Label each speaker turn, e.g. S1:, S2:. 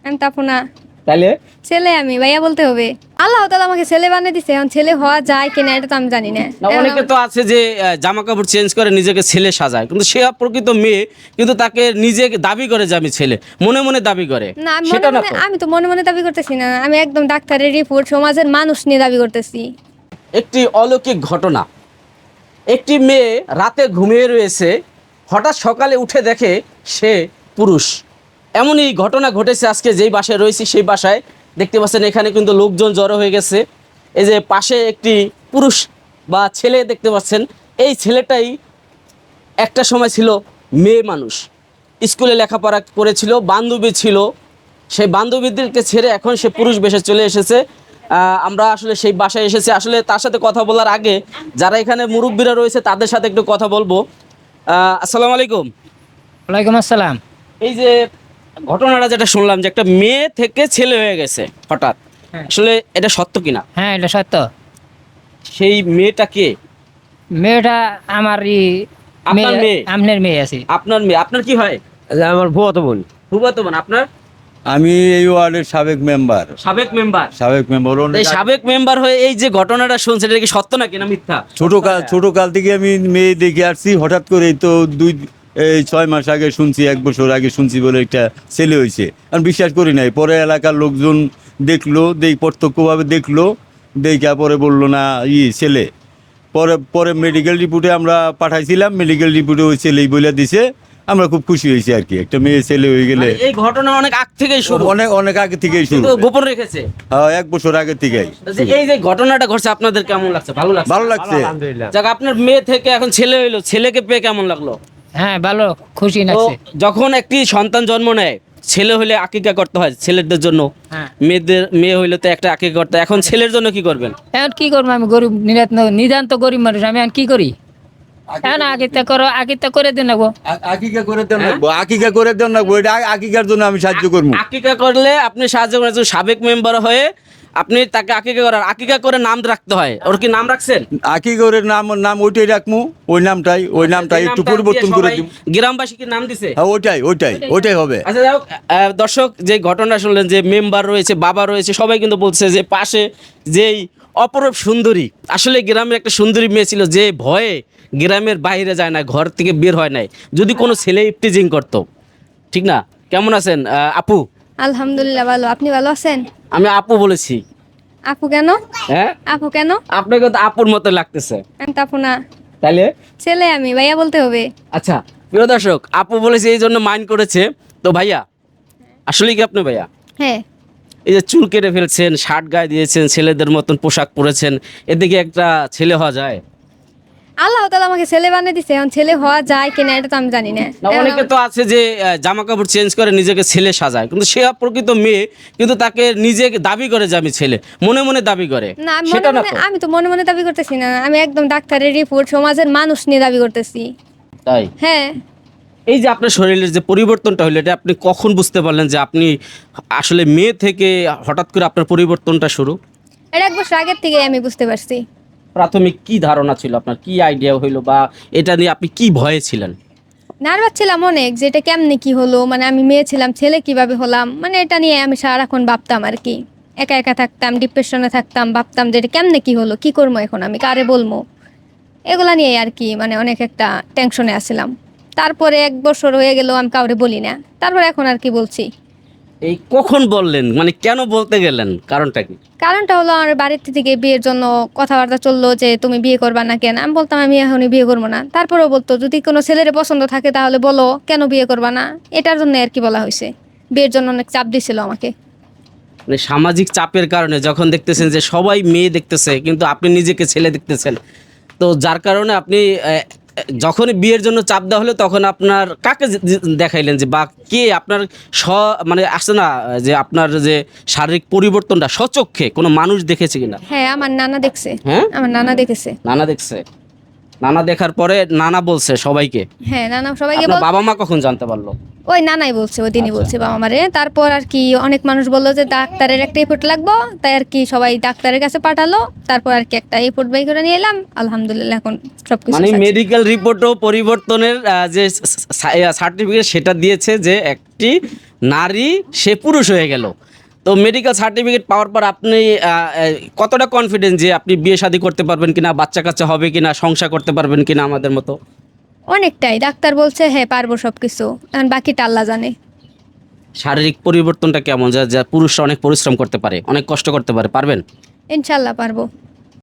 S1: আমি তাপো না।
S2: তাহলে
S1: ছেলে আমি ভাইয়া বলতে হবে। আল্লাহ তাআলা আমাকে ছেলে বানিয়ে দিছে, এখন ছেলে হওয়া যায় কিনা এটা তো আমি জানি না।
S2: না, অনেকে তো আছে যে জামা কাপড় চেঞ্জ করে নিজেকে ছেলে সাজায়, কিন্তু সে প্রকৃত মেয়ে, কিন্তু তাকে নিজে দাবি করে যে আমি ছেলে, মনে মনে দাবি করে।
S1: না আমি
S2: সেটা
S1: মনে
S2: না
S1: মনে
S2: তো।
S1: আমি তো মনে মনে দাবি করতেছি না, আমি একদম ডাক্তারের রিপোর্ট সমাজের মানুষ নিয়ে দাবি করতেছি।
S2: একটি অলৌকিক ঘটনা। একটি মেয়ে রাতে ঘুমিয়ে রয়েছে, হঠাৎ সকালে উঠে দেখে সে পুরুষ। এমনই ঘটনা ঘটেছে আজকে যেই বাসায় রয়েছি সেই বাসায়। দেখতে পাচ্ছেন এখানে কিন্তু লোকজন জড়ো হয়ে গেছে। এই যে পাশে একটি পুরুষ বা ছেলে দেখতে পাচ্ছেন, এই ছেলেটাই একটা সময় ছিল মেয়ে মানুষ, স্কুলে লেখাপড়া করেছিল, বান্ধবী ছিল, সেই বান্ধবীদেরকে ছেড়ে এখন সে পুরুষ বেশে চলে এসেছে। আমরা আসলে সেই বাসায় এসেছি, আসলে তার সাথে কথা বলার আগে যারা এখানে মুরব্বীরা রয়েছে তাদের সাথে একটু কথা বলবো। আসসালামু আলাইকুম।
S3: ওয়ালাইকুম আসসালাম।
S2: এই যে ঘটনাটা যেটা শুনলাম যে একটা মেয়ে থেকে ছেলে হয়ে গেছে হঠাৎ,
S3: হ্যাঁ।
S2: আসলে এটা সত্য কিনা?
S3: হ্যাঁ, এটা সত্য।
S2: সেই মেয়েটা কে?
S3: মেয়েটা আমার
S2: আপনার মেয়ে?
S3: আপনার মেয়ে আছে।
S2: আপনার মেয়ে? আপনার কি হয়?
S4: আমার ফুফাতো বোন।
S2: ফুফাতো বোন। আপনার?
S5: আমি এই ওয়ার্ডের সাবেক মেম্বার।
S2: সাবেক মেম্বার।
S5: এই
S2: সাবেক মেম্বার হয়ে এই যে ঘটনাটা শুনছেন, এটা কি সত্য নাকি না মিথ্যা?
S5: ছোট কাল থেকে আমি মেয়ে দেখে আসছি, হঠাৎ করে এই তো 6 মাস আগে শুনছি, 1 বছর আগে শুনছি বলে একটা ছেলে হয়েছে। আমি বিশ্বাস করি নাই, পরে এলাকার লোকজন দেখলো, প্রত্যক্ষভাবে দেখলো, দেখা পরে বললো না ছেলে। পরে পরে মেডিকেল রিপোর্টে আমরা পাঠাইছিলাম, মেডিকেল রিপোর্টে ওই ছেলেই বলে দিছে। আমরা খুব খুশি হয়েছি আর কি, একটা মেয়ে ছেলে হয়ে গেলে।
S2: মানে এই ঘটনা অনেক আগ থেকেই শুরু,
S5: অনেক অনেক আগে থেকেই শুরু,
S2: কিন্তু গোপন রেখেছে।
S5: হ্যাঁ 1 বছর আগে থেকেই।
S2: এই যে ঘটনাটা ঘটছে আপনাদের কেমন লাগছে? ভালো লাগছে?
S5: ভালো লাগছে।
S4: আলহামদুলিল্লাহ।
S2: যাক, আপনার মেয়ে থেকে এখন ছেলে হইলো, ছেলেকে পেয়ে কেমন লাগলো?
S3: হ্যাঁ, ভালো, খুশি
S2: তো
S3: লাগছে।
S2: যখন একটি সন্তান জন্ম নেয়, ছেলে হলে আকিকা করতে হয় ছেলেদের জন্য,
S3: হ্যাঁ।
S2: মেয়ে হইলে তো একটা আকিকা করতে হয়। এখন ছেলের জন্য কি করবেন?
S3: এখন কি করবো, আমি গরিব, নিতান্ত গরিব মানুষ, আমি এখন কি করি? এখন আকিতা করে দিন নেবো।
S5: আকিকা করে দেন লাগবো, আকিকা করে দেন লাগবো, এটা আকিকার জন্য আমি সাহায্য করবো।
S2: আকিকা করলে আপনি সাহায্য করেন, সাবেক মেম্বার হয়ে আপনি তাকে আকিকা করার, আকিকা করে নাম রাখতে হয়। ওর কি নাম রাখছেন?
S5: আকিকার নাম ওইটাই রাখবো, ওই নামটাই একটু
S2: নামটা
S5: পরিবর্তন
S2: দিয়ে
S5: করে
S2: সবাই
S5: দিব।
S2: গ্রামবাসী কি নাম দিছে?
S5: হ্যাঁ ওইটাই হবে।
S2: আচ্ছা, যাই হোক, দর্শক যে ঘটনা শুনলেন, যে মেম্বার রয়েছে, বাবা রয়েছে, সবাই কিন্তু বলছে যে পাশে যেই অপরূপ সুন্দরী, আসলে গ্রামের একটা সুন্দরী মেয়ে ছিল, যে ভয়ে গ্রামের বাইরে যায় না, ঘর থেকে বের হয় নাই, যদি কোনো ছেলে ইফটিজিং করতো। ঠিক না? কেমন আছেন আপু?
S1: আলহামদুলিল্লাহ ভালো। আপনি ভালো আছেন?
S2: আমি আপু বলেছি।
S1: আপু কেন?
S2: হ্যাঁ,
S1: আপু কেন?
S2: আপনাকে তো আপুর মতো লাগতেছে।
S1: আমি তাপো না।
S2: তাইলে
S1: ছেলে আমি ভাইয়া বলতে হবে।
S2: আচ্ছা, প্রিয় দর্শক, আপু বলেছে এই জন্য মাইন্ড করেছে। তো ভাইয়া, আসলে কি আপনি ভাইয়া?
S1: হ্যাঁ।
S2: এই যে চুল কেটে ফেলছেন, শার্ট গায়ে দিয়েছেন, ছেলেদের মতন পোশাক পরেছেন, এদিকে একটা ছেলে হওয়া যায়?
S1: আল্লাহ তাআলা আমাকে ছেলে বানিয়ে দিছে, এখন ছেলে হওয়া যায় কিনা এটা তো আমি জানি না।
S2: না, অনেকে তো আছে যে জামা কাপড় চেঞ্জ করে নিজেকে ছেলে সাজায়, কিন্তু সে প্রকৃত মেয়ে, কিন্তু তাকে নিজে দাবি করে যে আমি ছেলে, মনে মনে দাবি করে।
S1: না
S2: সেটা না তো।
S1: আমি তো মনে মনে দাবি করতেছি না, আমি একদম ডাক্তারের রিপোর্ট সমাজের মানুষ নিয়ে দাবি করতেছি।
S2: তাই
S1: হ্যাঁ।
S2: এই যে আপনার শরীরের যে পরিবর্তনটা হলো, এটা আপনি কখন বুঝতে পারলেন যে আপনি আসলে মেয়ে থেকে হঠাৎ করে আপনার পরিবর্তনটা শুরু?
S1: এটা 1 বছর আগের থেকে আমি বুঝতে পারছি।
S2: প্রাথমিক কি ধারণা ছিল আপনার, কি আইডিয়া হইলো, বা এটা নিয়ে আপনি কি ভয়ে ছিলেন?
S1: নার্ভাস ছিলাম অনেক, যে এটা কেমনে কি হলো, মানে আমি মেয়ে ছিলাম ছেলে কিভাবে হলাম, মানে এটা নিয়ে আমি সারাক্ষণ ভাবতাম আর কি। একা একা থাকতাম, ডিপ্রেশনে থাকতাম, ভাবতাম যে এটা কেমনে কি হলো, কি করবো এখন, আমি কারে বলবো, এগুলা নিয়ে আর কি, মানে অনেক একটা টেনশনে আসছিলাম। তারপরে 1 বছর হয়ে গেল, আমি কাউরে বলি না, তারপর এখন আর কি বলছি।
S2: এই কখন বললেন, মানে কেন বলতে গেলেন, কারণটা কি?
S1: কারণটা হলো আমার বাড়ির থেকে বিয়ের জন্য কথাবার্তা চললো যে তুমি বিয়ে করবা না কেন, আমি বলতাম আমি এখনই বিয়ে করবো না, তারপরেও বলতো যদি কোনো ছেলের পছন্দ থাকে তাহলে বলো, কেন বিয়ে করবা না, এটার জন্য আর কি বলা হয়েছে। বিয়ের জন্য অনেক চাপ দিছিল আমাকে।
S2: মানে সামাজিক চাপের কারণে যখন দেখতেছেন যে সবাই মেয়ে দেখতেছে, কিন্তু আপনি নিজেকে ছেলে দেখতেছেন, তো যার কারণে আপনি যখনই বিয়ের জন্য চাপ দেওয়া হলো, তখন আপনার কাকে দেখাইলেন, যে বা কে আপনার মানে আসছে না, যে আপনার যে শারীরিক পরিবর্তনটা স্বচক্ষে কোনো মানুষ দেখেছে কিনা?
S1: হ্যাঁ, আমার নানা দেখছে।
S2: হ্যাঁ,
S1: আমার নানা দেখেছে।
S2: নানা দেখছে। নানা দেখার পরে নানা বলছে সবাইকে?
S1: হ্যাঁ, নানা সবাইকে
S2: আপনার বাবা মা কখন জানতে পারলো?
S1: ওই নানাই বলছে, ওই দিনই
S2: আচ্ছা।
S1: বলছে বাবা মারে। তারপর আর কি অনেক মানুষ বললো যে ডাক্তারের একটা রিপোর্ট লাগবো, তাই আর কি সবাই ডাক্তারের কাছে পাঠালো। তারপর আর কি একটা রিপোর্ট বাই করে নিয়ে এলাম, আলহামদুলিল্লাহ এখন সবকিছু
S2: মানে
S1: আছে।
S2: মেডিকেল রিপোর্টও পরিবর্তনের যে সার্টিফিকেট সেটা দিয়েছে, যে একটি নারী সে পুরুষ হয়ে গেল। তো মেডিকেল সার্টিফিকেট পাওয়ার পর আপনি কতটা কনফিডেন্স যে আপনি বিয়ে শাদী করতে পারবেন কিনা, বাচ্চা কাচ্চা হবে কিনা, সংসার করতে পারবেন কিনা আমাদের মতো?
S1: অনেকটাই, ডাক্তার বলছে হ্যাঁ পারবো সব কিছু, এখন বাকিটা আল্লাহ জানে।
S2: শারীরিক পরিবর্তনটা কেমন, যা যা পুরুষরা অনেক পরিশ্রম করতে পারে, অনেক কষ্ট করতে পারে, পারবেন?
S1: ইনশাল্লাহ পারবো।